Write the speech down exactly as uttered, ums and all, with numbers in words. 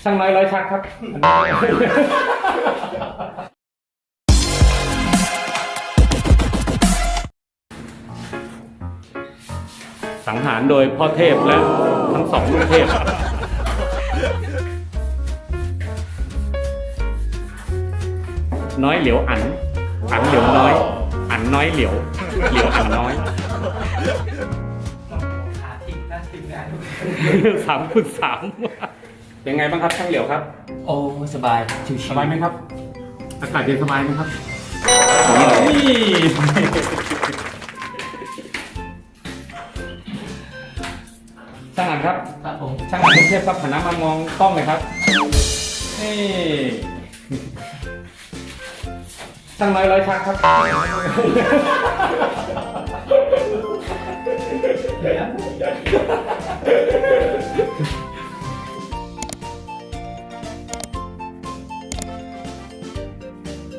ช่างน้อยร้อยชักครับสังหารโดยพ่อเทพและทั้งสองลูกเทพน้อยเหลียวอันอันเหลียวน้อยอันน้อยเหลียวเหลียวอันน้อยขาทิ้งหน้าทิ้งงานสามคูณสามเป็นไงบ้างครับช่างเหลียวครับโอ้สบายชิวๆสบายไหมครับอากาศเย็นสบายไหมครับนี่ช่างอันครับครับผมช่างอันลูกเทพครับหันหน้ามามองกล้องเลยครับนี่ช่างน้อยร้อยชักครับ